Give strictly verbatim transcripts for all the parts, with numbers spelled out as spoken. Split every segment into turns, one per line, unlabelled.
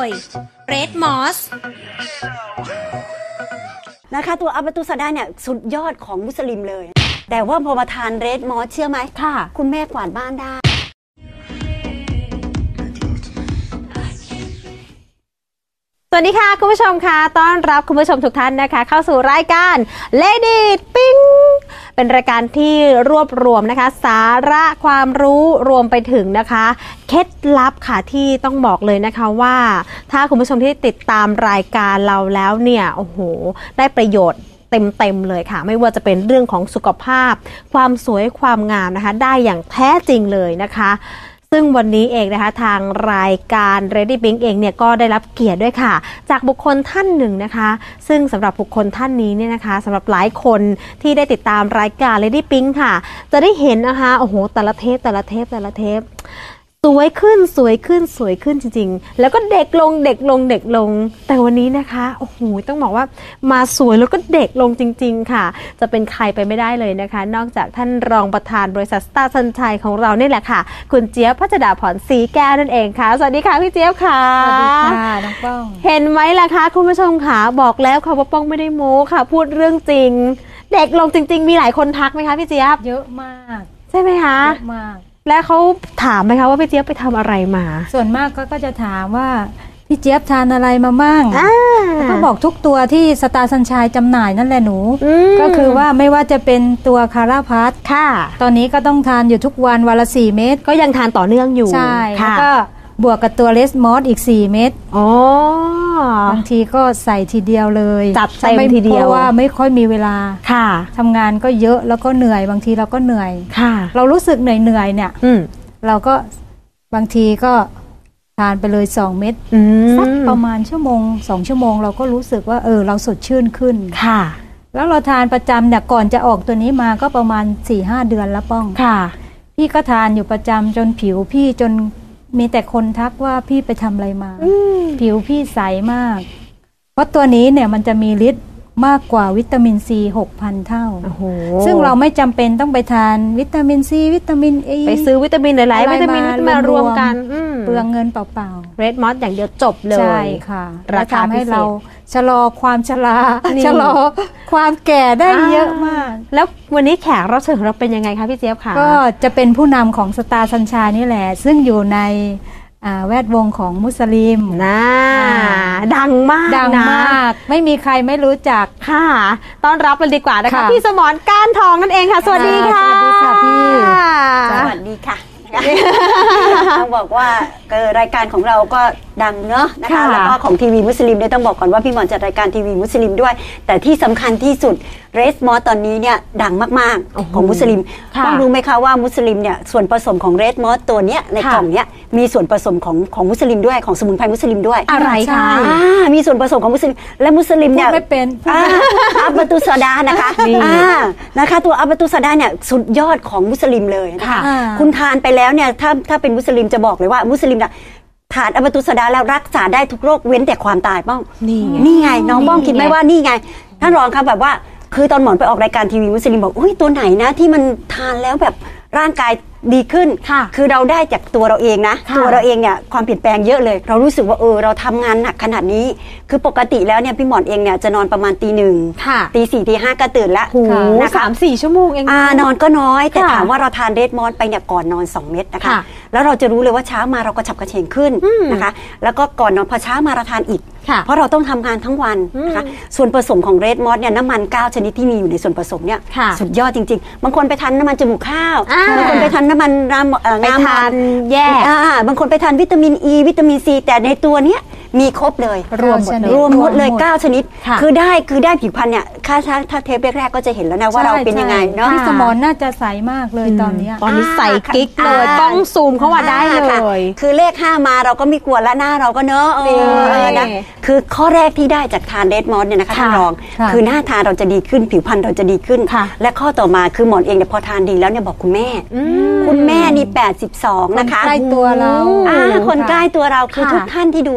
ย Red Moss
นะคะตัวอัปตุสดาเนี่ยสุดยอดของมุสลิมเลยแต่ว่าพอมาทานเรดมอสเชื่อไหมค่ะคุณแม่กวาดบ้านได้
สวัสดีค่ะคุณผู้ชมค่ะต้อนรับคุณผู้ชมทุกท่านนะคะเข้าสู่รายการ Lady ปิ้งเป็นรายการที่รวบรวมนะคะสาระความรู้รวมไปถึงนะคะเคล็ดลับค่ะที่ต้องบอกเลยนะคะว่าถ้าคุณผู้ชมที่ติดตามรายการเราแล้วเนี่ยโอ้โหได้ประโยชน์เต็มๆเลยค่ะไม่ว่าจะเป็นเรื่องของสุขภาพความสวยความงามนะคะได้อย่างแท้จริงเลยนะคะซึ่งวันนี้เองนะคะทางรายการ Lady Pink เองเนี่ยก็ได้รับเกียรติด้วยค่ะจากบุคคลท่านหนึ่งนะคะซึ่งสำหรับบุคคลท่านนี้เนี่ยนะคะสำหรับหลายคนที่ได้ติดตามรายการ Lady Pink ค่ะจะได้เห็นนะคะโอ้โหแต่ละเทปแต่ละเทปแต่ละเทปสวยขึ้นสวยขึ้นสวยขึ้นจริงๆแล้วก็เด็กลงเด็กลงเด็กลงแต่วันนี้นะคะโอ้โหต้องบอกว่ามาสวยแล้วก็เด็กลงจริงๆค่ะจะเป็นใครไปไม่ได้เลยนะคะนอกจากท่านรองประธานบริษัทสตาร์สัญชัยของเรานี่แหละค่ะคุณเจี๊ยบพัชดาพรศรีแก้วนั่นเองค่ะสวัสดีค่ะพี่เจี๊ยบค่ะ
สวัสดีค่ะน้องป้อง
เห็นไหมล่ะคะคุณผู้ชมค่ะบอกแล้วค่ะว่าป้องไม่ได้โม้ค่ะพูดเรื่องจริงเด็กลงจริงๆมีหลายคนทักไหมคะพี่เจี๊ยบ
เยอะมาก
ใช่ไหมคะ
เยอะมาก
แล้วเขาถามไหมคะว่าพี่เจี๊ยบไปทำอะไรมา
ส่วนมากก็จะถามว่าพี่เจี๊ยบทานอะไรมาบ้างแล้วก็บอกทุกตัวที่สตาร์สัญชัยจำหน่ายนั่นแหละหนูก็คือว่าไม่ว่าจะเป็นตัวคาราพัทค่ะตอนนี้ก็ต้องทานอยู่ทุกวันวันละสี่เม็ด
ก็ยังทานต่อเนื่องอยู่
ใช่แล้วก็บวกกับตัวเลสมอสอีกสี่เม็ด
อ๋
อบางทีก็ใส่ทีเดียวเลย
จับเต็มทีเดียว
เพราะว่าไม่ค่อยมีเวลา
ค่ะ
ทำงานก็เยอะแล้วก็เหนื่อยบางทีเราก็เหนื่อย
ค่ะ
เรารู้สึกเหนื่อยเหนื่อยเนี่ยเราก็บางทีก็ทานไปเลยสองเม็ดสักประมาณชั่วโมงสองชั่วโมงเราก็รู้สึกว่าเออเราสดชื่นขึ้น
ค่ะ
แล้วเราทานประจำเนี่ยก่อนจะออกตัวนี้มาก็ประมาณ สี่ห้า เดือนแล้วป้อง
ค่ะ
พี่ก็ทานอยู่ประจำจนผิวพี่จนมีแต่คนทักว่าพี่ไปทำอะไรมาผิวพี่ใสมากเพราะตัวนี้เนี่ยมันจะมีฤทธิ์มากกว่าวิตามินซี หกพัน เท่าซึ่งเราไม่จำเป็นต้องไปทานวิตามินซีวิตามินเอ
ไปซื้อวิตามินหลายๆวิตามินมารวมกัน
เปลืองเงินเปล่า
ๆ Red Moss อย่างเดียวจบเลย
ใช่ค่ะราคาให้เราชะลอความชราชะลอความแก่ได้เยอะมาก
แล้ววันนี้แขกรับเชิญของเราเป็นยังไงคะพี่เจี๊ยบคะ
ก็จะเป็นผู้นำของสตาร์สัญชัยนี่แหละซึ่งอยู่ในแวดวงของมุสลิม
นะดังมาก
ดังมากไม่มีใครไม่รู้จัก
ค่ะต้อนรับเลยดีกว่านะคะพี่สมรก้านทองนั่นเองค่ะสวัสดีค่ะ
สวัสดีค่ะพี่
สวัสดีค่ะต้องบอกว่ารายการของเราก็ดังเนอะนะคะแล้วก็ของทีวีมุสลิมเนี่ยต้องบอกก่อนว่าพี่หมอนจัดรายการทีวีมุสลิมด้วยแต่ที่สำคัญที่สุดเรดมอสตอนนี้เนี่ยดังมากๆของมุสลิมต้องรู้ไหมคะว่ามุสลิมเนี่ยส่วนผสมของเรดมอสตัวเนี้ยในกล่องเนี้ยมีส่วนผสมของของมุสลิมด้วยของสมุนไพรมุสลิมด้วย
อะไรคะ
มีส่วนผสมของมุสลิมและมุสลิมเนี่ย
ไม่เป็น
อัปตุสดานะคะนะคะตัวอัปตุสดาเนี่ยสุดยอดของมุสลิมเลยนะคะคุณทานไปแล้วเนี่ยถ้าถ้าเป็นมุสลิมจะบอกเลยว่ามุสลิมเนี่ยทานอัปตุสดาแล้วรักษาได้ทุกโรคเว้นแต่ความตายป้อง
นี่
นี่ไงน้องป้องคิดไหมว่านี่ไงท่านรองครับแบบว่าคือตอนหมอนไปออกรายการทีวีมุสลิมบอกอุ้ยตัวไหนนะที่มันทานแล้วแบบร่างกายดีขึ้นคือเราได้จากตัวเราเองนะตัวเราเองเนี่ยความเปลี่ยนแปลงเยอะเลยเรารู้สึกว่าเออเราทำงานหนักขนาดนี้คือปกติแล้วเนี่ยพี่หมอนเองเนี่ยจะนอนประมาณตีหนึ่งตีสี่ตีห้าก็ตื่นแล้ว
นะคะสามสี่ชั่วโมงเอง
อ่านอนก็น้อยแต่ถามว่าเราทานเรดมอสไปเนี่ยก่อนนอนสองเม็ดนะคะแล้วเราจะรู้เลยว่าเช้ามาเราก็ฉับกระเฉงขึ้นนะคะแล้วก็ก่อนนอนพอเช้ามาเราทานอีกเพราะเราต้องทำงานทั้งวันนะคะส่วนผสมของเรดมอสเนี่ยน้ำมันเก้าชนิดที่มีอยู่ในส่วนผสมเนี่ยสุดยอดจริงๆบางคนไปทานน้ำมันจมูกข้าวบางคนไปทานน้ำมัน
ไปทานแยก
บางคนไปทานวิตามินอีวิตามินซีแต่ในตัวเนี้ยมีครบเลย
รวมหมด
รวมหมดเลยเก้าชนิดคือได้คือได้ผิวพรรณเนี่ยค่าถ้าเทปแรกๆก็จะเห็นแล้วนะว่าเราเป็นยังไงเนาะ
พี่สมรน่าจะใสมากเลยตอนนี้
ตอนนี้ใสกิ๊กเลยต้องซูมเข้ามาได้เลย
คือเลขห้ามาเราก็ไม่กลัวละหน้าเราก็เนอะนะคือข้อแรกที่ได้จากทานเรดมอสเนี่ยนะคะท่านรองคือหน้าทาเราจะดีขึ้นผิวพรรณเราจะดีขึ้นและข้อต่อมาคือหมอนเองเนี่ยพอทานดีแล้วเนี่ยบอกคุณแม่คุณแม่นี่แปดสิบสองนะคะ
ใกล้ตัวเรา
คนใกล้ตัวเราคือทุกท่านที่ดูรายการ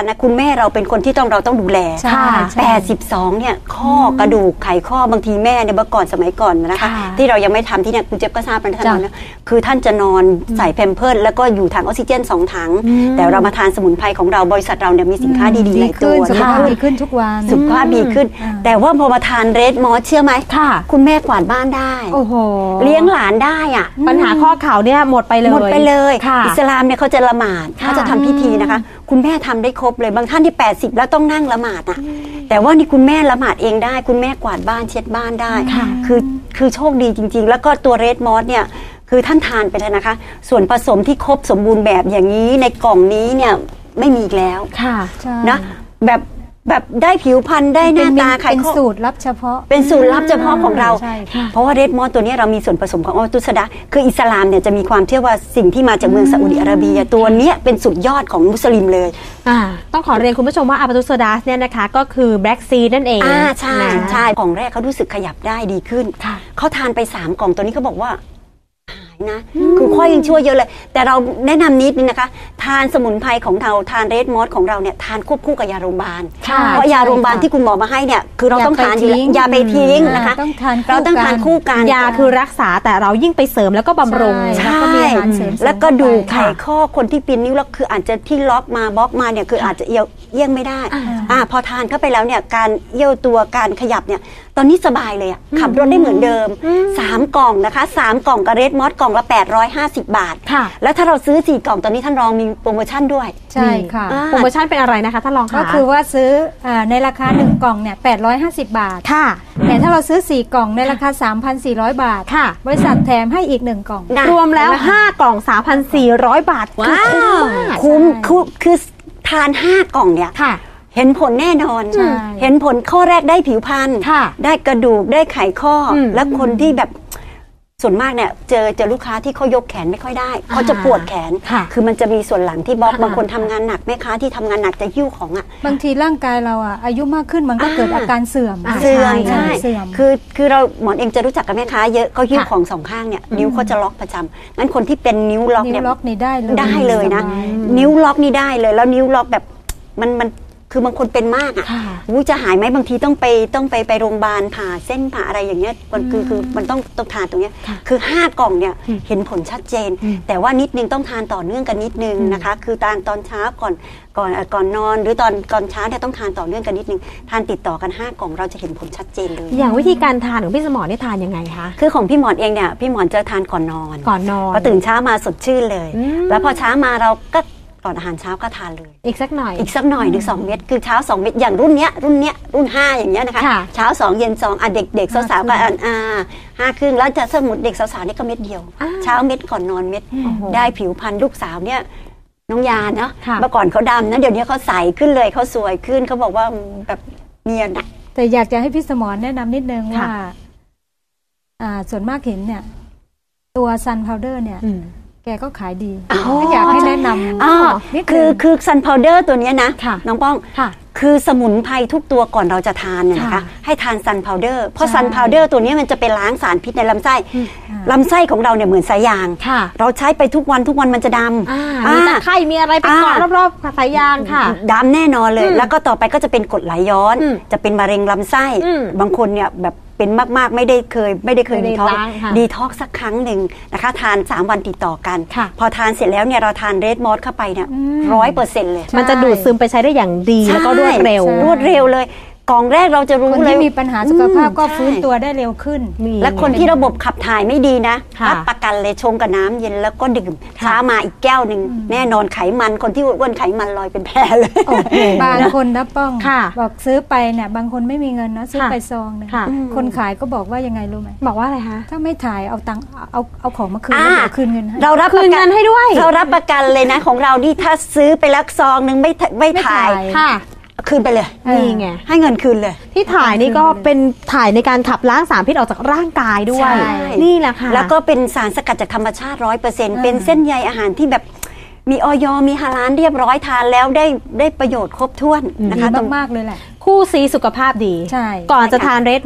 นะคุณแม่เราเป็นคนที่ต้องเราต้องดูแล
ใช่ใช่
แปดสิบสองเนี่ยข้อกระดูกไขข้อบางทีแม่เนี่ยเมื่อก่อนสมัยก่อนนะคะ
ค่ะ
ที่เรายังไม่ทำที่เนี่ยคุณเจี๊ยบก็ทราบนะท่านนะคือท่านจะนอนใส่แพมเพิร์สแล้วก็อยู่ถังออกซิเจนสองถังแต่เรามาทานสมุนไพรของเราบริษัทเราเนี่ยมีสินค้าดีๆหลายตัว
สุข
นะ
ภาพ
คะ
ดีขึ้นทุกวัน
สุขภาพดีขึ้น
อ่า
แต่ว่าพอมาทานเรดมอสเชื่อไหม
ค่ะ
คุณแม่กวาดบ้านได้
โอ้โห
เลี้ยงหลานได้อ่ะ
ปัญหาข้อเข่าเนี่ยหมดไปเลย
หมดไปเลย
ค่ะ
อิสลามเนี่ยเขาจะละหมาด
ค่ะ
เขาจะทำพิธีนะคะ คุณแม่ทำได้ครบเลยบางท่านที่แปดสิบแล้วต้องนั่งละหมาดอ่ะแต่ว่านี่คุณแม่ละหมาดเองได้ คุณแม่กวาดบ้านเช็ดบ้านได้
ค่ะ
คือคือโชคดีจริง ๆ แล้วก็ตัวเรดมอสเนี่ยคือท่านทานไปเลยนะคะ ส่วนผสมที่ครบสมบูรณ์แบบอย่างนี้ในกล่องนี้เนี่ยไม่มีอีกแล้ว
ค่ะ
ใช่
นะแบบแบบได้ผิวพรรณได้หน้าตาไข
เป็น
ข้อ
สูตรลับเฉพาะ
เป็นสูตรลับเฉพาะของเรา
ใช่ค่ะ
เพราะว่าเรดมอสตัวนี้เรามีส่วนผสมของอัลตุสดาคืออิสลามเนี่ยจะมีความเชื่อว่าสิ่งที่มาจากเมืองซาอุดิอาระเบียตัวเนี้ยเป็นสุดยอดของมุสลิมเลย
อ่าต้องขอเรียนคุณผู้ชมว่าอาปาตุสดาสเนี่ยนะคะก็คือแบล็กซีนั่นเอง
อ่าใช่
นะ
ใช่ของแรกเขารู้สึกขยับได้ดีขึ้น
ค่ะ
เขาทานไปสามกล่องตัวนี้เขาบอกว่าหายนะ คือค่อยยังช่วยเยอะเลย แต่เราแนะนำนิดนึงนะคะ ทานสมุนไพรของเราทานเรดมอสของเราเนี่ยทานควบคู่กับยาโรงพยาบาล
ค่ะ
เพราะยาโรงพยาบาลที่คุณหมอมาให้เนี่ยคือเราต้องทานอยู่แล้วอย่าไปทิ้งนะคะ
ต้องทานคู่
เราต้องทานคู่กัน
ยาคือรักษาแต่เรายิ่งไปเสริมแล้วก็บำรุง
ใช่
ใช่
แล้วก็มีอาหารเสริม
แล้วก็ดูไข
เข้าไป
ข้อคนที่ปีนนิ้วแล้วคืออาจจะที่ล็อกมาบล็อกมาเนี่ยคืออาจจะเอียวเอี้ยงไม่ได้
อ่า
อ่าพอทานเข้าไปแล้วเนี่ยการเอี้ยวตัวการขยับเนี่ยตอนนี้สบายเลยอะขับรถได้เหมือนเดิมสามกล่องนะคะสามกล่องกับเรดมอสกล่องละแปดร้อยห้าสิบบาท
ค่ะ
แล้วถ้าเราซื้อสี่กล่องตอนนี้ท่านรองมีโปรโมชั่นด้วย
ใช่ค่ะ
อ่า
โปรโมชั่นเป็นอะไรนะคะท่านรองคะ
ก็คือว่าซื้ออาในราคาหนึ่งกล่องเนี่ยแปดร้อยห้าสิบบาท
ค่ะ
แต่ถ้าเราซื้อสี่กล่องในราคา สามพันสี่ร้อย บาท
ค่ะ
บริษัทแถมให้อีกหนึ่งกล่อง
นะ
รวมแล้วห้ากล่อง สามพันสี่ร้อย บาท
ว้า
คือ
ว
คุ้มมาก
คุ้มคือคือทานห้ากล่องเนี่ย
ค่ะ
เห็นผลแน่นอน
ใช่
เห็นผลข้อแรกได้ผิวพรรณ
ค่ะ
ได้กระดูกได้ไขข้ออ
ม
และคนที่แบบส่วนมากเนี่ยเจอเจอลูกค้าที่เขายกแขนไม่ค่อยได้เขาจะปวดแขน
ค่ะ
คือมันจะมีส่วนหลังที่บล็อก
ค่ะ
บางคนทำงานหนักแม่ค้าที่ทำงานหนักจะหิ้วของอ่ะ
บางทีร่างกายเราอ่ะอายุมากขึ้นมันก็
อ่า
เกิดอาการเสื่อม
อ่า
เสื่อม
ใช่
ใช่
เสื่อม
คือคือเราหมอนเองจะรู้จักกับแม่ค้าเยอะเขาหิ้ว
ค่ะ
ของสองข้างเนี่ยนิ้วเขาจะล็อกประจำงั้นคนที่เป็นนิ้วล็อก
นิ้
เนี่
วย ล็อกนี่ได้เลย
ได้เลยนะ
สบาย
นิ้วล็อกนี่ได้เลย แล้วนิ้วล็อกแบบมันมันคือบางคนเป็นมากอ่ะ
ค่ะ
อู้จะหายไหมบางทีต้องไปต้องไปไปโรงพยาบาลผ่าเส้นผ่าอะไรอย่างเงี้ยมันคือคือมันต้องต้องทานตรงเนี้ย
ค่ะ
คือห้ากล่องเนี่ย
อืม
เห็นผลชัดเจน
อืม
แต่ว่านิดนึงต้องทานต่อเนื่องกันนิดนึงนะคะ คือทานตอนเช้าก่อนก่อนเอ่อก่อนนอน หรือตอนก่อนเช้าเนี่ยต้องทานต่อเนื่องกันนิดนึงทานติดต่อกันห้ากล่องเราจะเห็นผลชัดเจนเลย
อย่างวิธีการทานของพี่สมรนี่ทานยังไงคะ
คือของพี่หมอนเองเนี่ยพี่หมอนจะทานก่อนนอน
ก่อนนอน
พอตื่นเช้ามาสดชื่นเลย
อืม
แล้วพอเช้ามาเราก็ก่อนอาหารเช้าก็ทานเลย
อีกสักหน่อย
อีกสักหน่อยหนึ่งสองเม็ดคือเช้าสองเม็ดอย่างรุ่นเนี้ยรุ่นเนี้ยรุ่นห้าอย่างเงี้ยนะคะ
ค่ะ
เช้าสองเย็นสองอ่ะเด็กเด็กสาวๆก็อ่านอ่าห้าครึ่งแล้วจะสมุดเด็กสาวๆนี่ก็เม็ดเดียว
อ่า
เช้าเม็ดก่อนนอนเม็ด
โอ้โห
ได้ผิวพรรณลูกสาวเนี่ยน้องยาเนาะ
ค่ะ
เมื่อก่อนเขาดำนะเดี๋ยวนี้เขาใสขึ้นเลยเขาสวยขึ้นเขาบอกว่าแบบเนียนอะ
แต่อยากจะให้พี่สมรแนะนำนิดนึง
ค่ะ
ว่าอ่า ส่วนมากเห็นเนี่ย ตัวซันพาวเดอร์เนี่ย
อืม
แกก็ขายดี
อ๋อ
ก็อยากให้แนะนำ
อ๋อ
นิดนึง
คือคือซันพาวเดอร์ตัวเนี้ยนะ
ค่ะ
น้องป้อง
ค่ะ
คือสมุนไพรทุกตัวก่อนเราจะทานเนี่ยนะคะ
ค่ะ
ให้ทานซันพาวเดอร์เพราะ
ใช่
ซันพาวเดอร์ตัวเนี้ยมันจะไปล้างสารพิษในลำไส้
อืม
ลำไส้ของเราเนี่ยเหมือนสายยาง
ค่ะ
เราใช้ไปทุกวันทุกวันมันจะด
อ่า
ำ
มีตะไคร่มีอะไรไปเกาะ
อ่าร
อบๆสายยางค่ะ
ดำแน่นอนเลย
อืม
แล้วก็ต่อไปก็จะเป็นกรดไหลย้อน
อืม
จะเป็นมะเร็งลำไส้
อืม
บางคนเนี่ยแบบเป็นมากๆไม่ได้เคย ไม่ได้เคย
ไม่
ดี
ได้
ท็อก
ล้างค่ะ
ดีท็อกสักครั้งหนึ่งนะคะทานสามวันติดต่อกัน
ค่ะ
พอทานเสร็จแล้วเนี่ยเราทานเรดมอสเข้าไปเนี่ย
อืม
ร้อยเปอร์เซ็นต์เลย
มันจะดูดซึมไปใช้ได้อย่างดีแล้วก็รวดเร็ว
ใช่รวดเร็วเลยกล่องแรกเราจะรู้
คน
เลย
ที่มีปัญหาสุขภาพก็
อืม
ฟื้น
ใช่
ตัวได้เร็วขึ้น
และคนที่ระบบขับถ่ายไม่ดีนะ
ค่ะ
รับประกันเลยชงกับน้ำเย็นแล้วก็ดื่ม
ค่ะ
เช้ามาอีกแก้วหนึ่งแน่นอนไขมันคนที่อ้วนๆไขมันลอยเป็นแพรเลย
โอ้โห
บางคนนะป้อง
ค่ะ
บอกซื้อไปเนี่ยบางคนไม่มีเงินนะซื้อ
ค่ะ
ไปซองหนึง
ค่ะ
คนขายก็บอกว่ายังไงรู้ไหม
บอกว่าอะไรคะ
ถ้าไม่ถ่ายเอาตังค์เอาเอาของมาคืน
อ่า
แล้วเดี๋ยวคืนเงินให้
เรารับ
คื
ป
น
ระกั
เงินให้ด้วย
เรารับประกันเลยนะของเรานี่ถ้าซื้อไปแล้วซองหนึ่งไม่ถไม่
ไม่
ถ่าย
ถ่าย
ค่ะ
คืนไปเลย
เออ
นี่ไง
ให้เงินคืนเลย
ที่ถ่ายนี่ก็เป็นถ่ายในการขับล้างสารพิษออกจากร่างกายด้วย
ใช่
นี่แหละค่ะ
แล้วก็เป็นสารสกัดจากธรรมชาติร้อยเปอร์เซ็นต์
อ่า
เป็นเส้นใยอาหารที่แบบมีออยมีฮาลาลเรียบร้อยทานแล้วได้ได้ประโยชน์ครบถ้วนนะ
ดี
คะตรง
มากๆเลยแหละ
คู่ซีสุขภาพดี
ใช่
ก่อนจะ
ใช่ค่ะ
ทานเรดมอส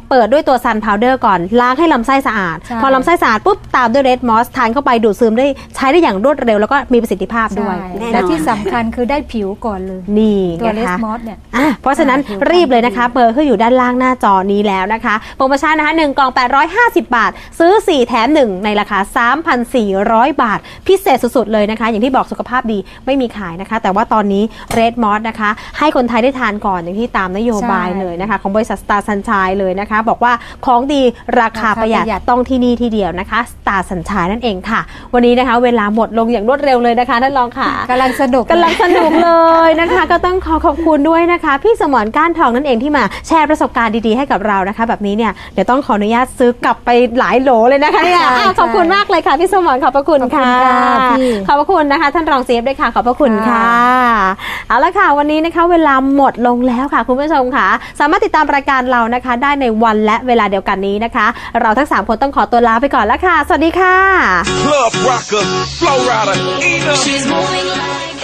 เปิดด้วยตัวซันพาวเดอร์ก่อนล้างให้ลำไส้สะอาดพอลำไส้สะอาดปุ๊บตามด้วยเรดมอสทานเข้าไปดูดซึมได้ใช้ได้อย่างรวดเร็วแล้วก็มีประสิทธิภาพด้วย
และที่สำคัญคือได้ผิวก่อนเลย
นี่
ตัวเรดมอสเนี่ย
เพราะฉะนั้นรีบเลยนะคะเบอร์ขึ้นอยู่ด้านล่างหน้าจอนี้แล้วนะคะโปรโมชั่นนะคะหนึ่งกล่องแปดร้อยห้าสิบบาทซื้อสี่แถมหนึ่งในราคา สามพันสี่ร้อย บาทพิเศษสุดๆเลยนะคะอย่างที่บอกสุขภาพดีไม่มีขายนะคะแต่ว่าตอนนี้เรดมอสนะคะให้คนไทยได้ทานก่อนอย่างที่ตามนโยบายเลยนะคะของบริษัท Star Sunshine เลยนะคะบอกว่าของดีราคาประหยัดต้องที่นี่ที่เดียวนะคะ Star Sunshine นั่นเองค่ะวันนี้นะคะเวลาหมดลงอย่างรวดเร็วเลยนะคะท่านรองค่ะ
กำลังสนุก
กำลังสนุกเลยนะคะก็ต้องขอขอบคุณด้วยนะคะพี่สมรก้านทองนั่นเองที่มาแชร์ประสบการณ์ดีๆให้กับเรานะคะแบบนี้เนี่ยเดี๋ยวต้องขออนุญาตซื้อกลับไปหลายโหลเลยนะคะเนี่ยขอบคุณมากเลยค่ะพี่สมรขอบพระคุณค่ะขอบพระคุณนะคะท่านรองเซฟด้วยค่ะขอบพระคุณค่ะเอาละค่ะวันนี้นะคะเวลาหมดลงแล้วค่ะคุณผู้ชมค่ะสามารถติดตามรายการเรานะคะได้ในวันและเวลาเดียวกันนี้นะคะเราทั้งสามคนต้องขอตัวลาไปก่อนแล้วค่ะสวัสดีค่ะ Club Rocker Flow Rider